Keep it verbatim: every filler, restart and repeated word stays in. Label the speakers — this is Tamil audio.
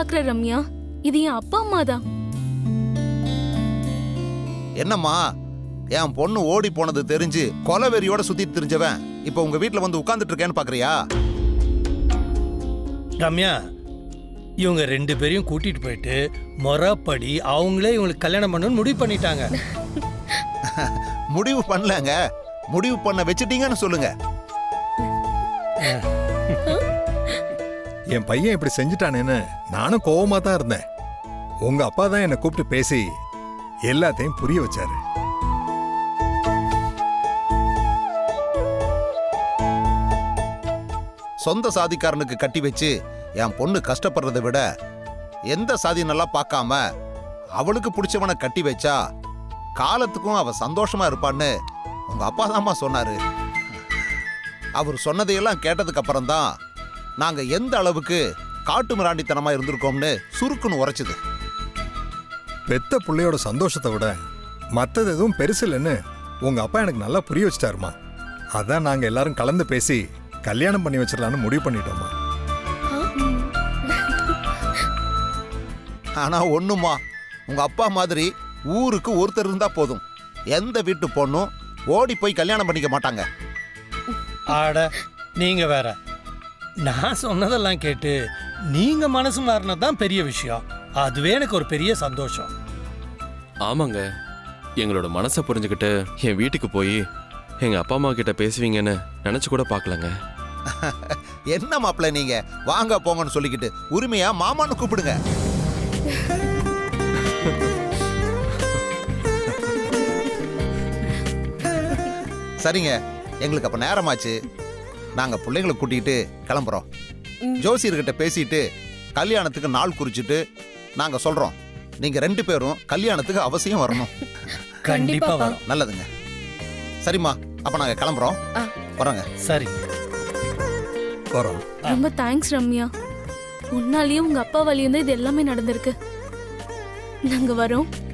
Speaker 1: பாக்குற ரம்யா, இது என் அப்பா அம்மா தான்.
Speaker 2: என்னம்மா, என் பொண்ணு ஓடி போனது தெரிஞ்சு கொலவெறியோட சுத்திட்டு தெரிஞ்சவன் இப்ப உங்க வீட்டுல வந்து உட்கார்ந்துட்டு இருக்கேன்னு பாக்குறியா?
Speaker 3: ரம்யா, இவங்க ரெண்டு பேரையும் கூட்டிட்டு போயிட்டு முறைப்படி அவங்களே இவங்களுக்கு கல்யாணம் பண்ணணும்னு முடிவு பண்ணிட்டாங்க.
Speaker 2: முடிவு பண்ணலங்க, முடிவு பண்ண வச்சிட்டீங்கன்னு சொல்லுங்க.
Speaker 4: என் பையன் இப்படி செஞ்சுட்டானேன்னு நானும் கோவமா தான் இருந்தேன். உங்க அப்பா தான் என்னை கூப்பிட்டு பேசி எல்லாத்தையும் புரிய வச்சாரு.
Speaker 2: சொந்த சாதிக்காரனுக்கு கட்டி வச்சு என் பொண்ணு கஷ்டப்படுறதை விட எந்த சாதி நல்லா பார்க்காம அவளுக்கு பிடிச்சவனை கட்டி வச்சா காலத்துக்கும் அவ சந்தோஷமா இருப்பான்னு உங்க அப்பா தாம்மா சொன்னாரு. அவர் சொன்னதையெல்லாம் கேட்டதுக்கு அப்புறம் தான் நாங்க எந்த அளவுக்கு காட்டு மிராண்டித்தனமா இருந்திருக்கோம்னு சுருக்குன்னு உரைச்சுது.
Speaker 4: பெத்த பிள்ளையோட சந்தோஷத்தை விட மற்றது எதுவும் பெருசு இல்லைன்னு உங்க அப்பா எனக்கு நல்லா புரிய வச்சிட்டாருமா. அதான் நாங்க எல்லாரும் கலந்து பேசி கல்யாணம் பண்ணி வச்சிடலான்னு முடிவு பண்ணிட்டோமா.
Speaker 2: ஆனா ஒண்ணுமா, உங்க அப்பா மாதிரி ஊருக்கு ஒருத்தர் இருந்தா போதும், எந்த வீட்டு பொண்ணும் ஓடி போய் கல்யாணம் பண்ணிக்க மாட்டாங்க.
Speaker 3: ஆட, நீங்க வேற. நான் சொன்னதெல்லாம் கேட்டு நீங்க மனசு மாறினதுதான் பெரிய விஷயம். அதுவே எனக்கு ஒரு பெரிய சந்தோஷம்.
Speaker 5: ஆமாங்க, எங்களோட மனசை புரிஞ்சுக்கிட்டு என் வீட்டுக்கு போய் எங்க அப்பா அம்மா கிட்ட பேசுவீங்கன்னு நினைச்சு கூட பார்க்கலங்க.
Speaker 2: என்ன மாப்பிள்ள நீங்க, வாங்க போங்கன்னு சொல்லிக்கிட்டு உரிமையா மாமான்னு கூப்பிடுங்க. சரிங்க, எங்களுக்கு அப்ப நேரமாச்சு. நாங்க பிள்ளைங்களை கூட்டிகிட்டு கிளம்புறோம். ஜோசியர்கிட்ட பேசிட்டு கல்யாணத்துக்கு நாள் குறிச்சிட்டு நாங்க சொல்றோம். நீங்க ரெண்டு பேரும் கல்யாணத்துக்கு அவசியம் வரணும்.
Speaker 3: கண்டிப்பா வரும்.
Speaker 2: நல்லதுங்க. சரிம்மா, அப்ப நாங்க கிளம்புறோம். வரோங்க.
Speaker 3: சரி,
Speaker 4: வரோம்.
Speaker 1: ரொம்ப தேங்க்ஸ் ரம்யா. உன்னாலேயும் உங்க அப்பா வழியும் தான் இது எல்லாமே நடந்திருக்கு. நாங்க வரோம்.